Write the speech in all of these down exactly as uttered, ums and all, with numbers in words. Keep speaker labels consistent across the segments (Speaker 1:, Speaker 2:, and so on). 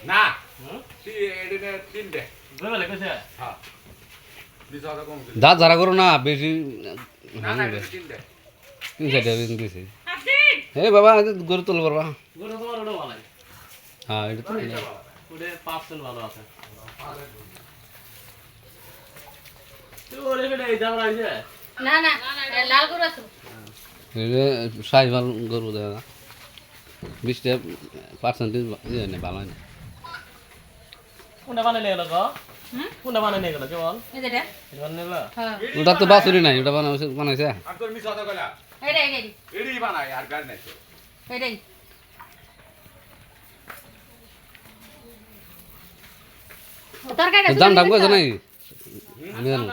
Speaker 1: না এডিনে তিনটে
Speaker 2: দুইবেলা কইছে
Speaker 1: হ্যাঁ বিশ হাজার কম দিলে
Speaker 3: দাঁত ঝাড়া করো না বেশি
Speaker 1: না না এটা তিনটে
Speaker 3: তিন চারটে দিয়েছি হে বাবা গরু তুল পারবা
Speaker 2: গরু তোমার ওটা ভালো
Speaker 3: হ্যাঁ এটা তো
Speaker 2: ওটা পার্সেন্ট ভালো আছে তো ওরে বেটা এই দাম রাইছে
Speaker 4: না না লাল গরু আছে
Speaker 3: সাইজ ভালো গরু দেখা বিশটা পার্সেন্টেজ ভালো হয় না
Speaker 2: কোনটা বানাইলে গেল গো
Speaker 4: হুম
Speaker 2: কোনটা বানাইলে গেল কেবল
Speaker 4: এই যেটা
Speaker 2: এটা বানাইলে
Speaker 4: হ্যাঁ
Speaker 3: ওটা তো বাছুরি নাই ওটা বানাইছে বানাইছে
Speaker 1: আর তোর মিছ হাজার কইলা
Speaker 4: এইটা এইটা
Speaker 1: এডি বানাই আর গাড়ি নাই তো
Speaker 4: এইটাই তরকারিটা
Speaker 3: দাম দাম কইছে নাই আমি জানো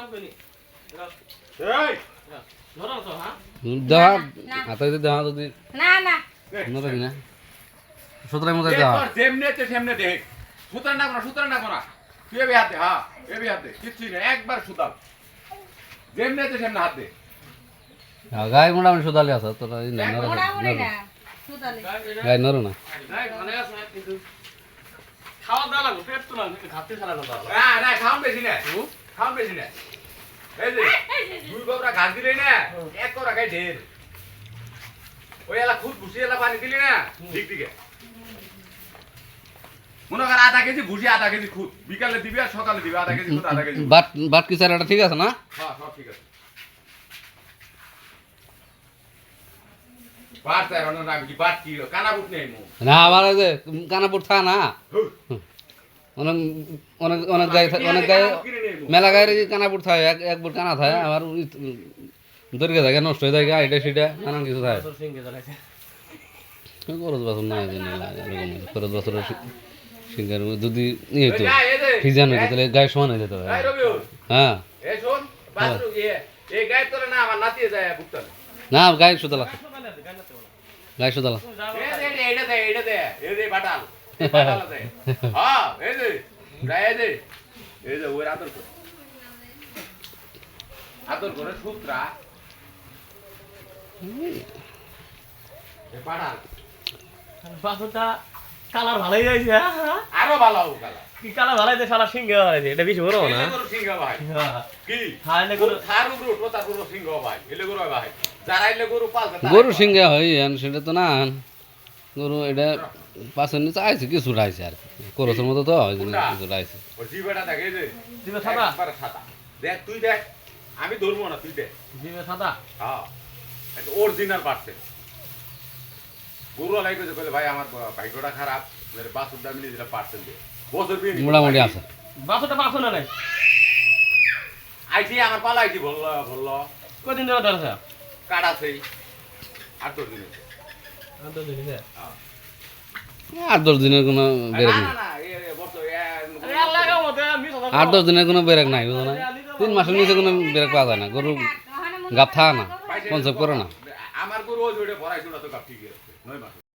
Speaker 1: এই
Speaker 2: ধরো তো হ্যাঁ
Speaker 3: দেওয়া হাতে যদি দেওয়া যদি
Speaker 4: না না
Speaker 3: নরকি না সুতরাং মতো দেওয়া
Speaker 1: তোর যেমনে তে সেমনে দেখ সুতরাং না কোনা সুতরাং না কোনা তুই এবি হাতে হ্যাঁ এবি হাতে কিচ্ছু না একবার সুতাল যেমনে তে সেমনে হাতে
Speaker 3: গায়ে মোটামুটি সুদালি আছে তোরা
Speaker 4: মোটামুটি না সুতালে
Speaker 3: গায়ে নরো না
Speaker 2: নাই মানে আছে কিন্তু খাওয়া দাওয়া লাগবে পেট তো না ঘাটতি ছাড়া না দাও
Speaker 1: না না খাম বেশি না খাম বেশি না এই যে দুই গোবরা ঘাস দিলে না এক কোরা খাই ঢের ওই এলা খুদ ভুসি এলা পানি দিলি না ঠিক ঠিক মনে কর আধা কেজি ভুসি আধা কেজি খুদ বিকালে দিবি আর সকালে দিবি আধা কেজি খুদ আধা কেজি
Speaker 3: বাট বাট কি চারাটা ঠিক আছে না
Speaker 1: হ্যাঁ সব ঠিক আছে বাট চাই রান্না আমি কি বাট কি কানা বুট নেই মু
Speaker 3: না আমার ওই যে কানাপুর থা না অনেক অনেক অনেক গায়ে অনেক গায়ে মেলা গায়ের কানাপুর থাকে এক এক বুট কানা থাকে আমার দরিকে থাকে নষ্ট হয়ে যায় এটা সেটা নানান কিছু থাকে
Speaker 2: তোর সিঙ্গে জ্বালাইছে
Speaker 3: খরচ বছর না এরকম খরচ বছর সিঙ্গার যদি ইয়ে হতো ফিজান হতো তাহলে গায়ে সমান হয়ে যেত
Speaker 1: এই রবিউল
Speaker 3: হ্যাঁ
Speaker 1: এই শোন বাথরুম ইয়ে এই গায়ে তোরে না আমার নাতিয়ে যায় বুকতাল
Speaker 3: না গায়ে সুতলা গায়ে সুতলা
Speaker 1: এই দে এইটা দে এইটা দে এই দে বাটাল বাটাল দে হ্যাঁ এই দে গায়ে দে এই দে ওর আদর কর আদর করে সূত্রা এই বাটাল
Speaker 2: বাসুটা কালার ভালোই যাইছে
Speaker 1: আরো ভালো হবে কালা
Speaker 2: কি কালার ভালোই দে শালা সিঙ্গে ভালোই এটা বেশি বড় না
Speaker 1: এলে গরু সিংহ ভাই কি
Speaker 2: হ্যাঁ এলে গরু
Speaker 1: থার উপর উঠবো তার গরু সিংহ ভাই এলে গরু ভাই যারা এলে গরু পালবে
Speaker 3: গরু সিঙ্গা হয় সেটা তো না গরু এটা পাশের নিচে আইছে কিছু রাইছে আর করসের মতো তো হয় কিছু রাইছে
Speaker 1: ওর জিবেটা দেখে যে
Speaker 2: জিবে সাদা
Speaker 1: একবারে সাদা দেখ তুই দেখ আমি ধরবো না তুই দেখ
Speaker 2: জিবে সাদা
Speaker 1: হ্যাঁ একটা অরিজিনাল পার্সেল গরু আলাই কইছে কইলে ভাই আমার ভাগ্যটা খারাপ মেরে বাসুর দাম নিয়ে দিলা পার্সেল দিয়ে বছর বিয়ে
Speaker 3: মোটামুটি আছে
Speaker 2: বাসুটা বাসু না নাই
Speaker 1: আইটি আমার পালা আইটি বললো বললো
Speaker 2: কদিন ধরে ধরছে
Speaker 1: কাটা সেই আট দশ দিন হয়েছে।
Speaker 2: আদর দিছে
Speaker 3: আট দশ দিনের কোনো বেরেক
Speaker 1: না
Speaker 3: নেই
Speaker 1: না না এ বছর
Speaker 2: আরে আল্লাহ গো মতে আমি কথা
Speaker 3: আট দশ দিনের কোনো বেরেক নাই বুঝো না তিন মাসের নিচে কোনো বেরেক পাওয়া যায় না গরু গাপ থাকে না কনসেপ্ট করে না
Speaker 1: আমার গরু ওই ভরাইছিল তো কাপ ঠিক আছে নয় মাস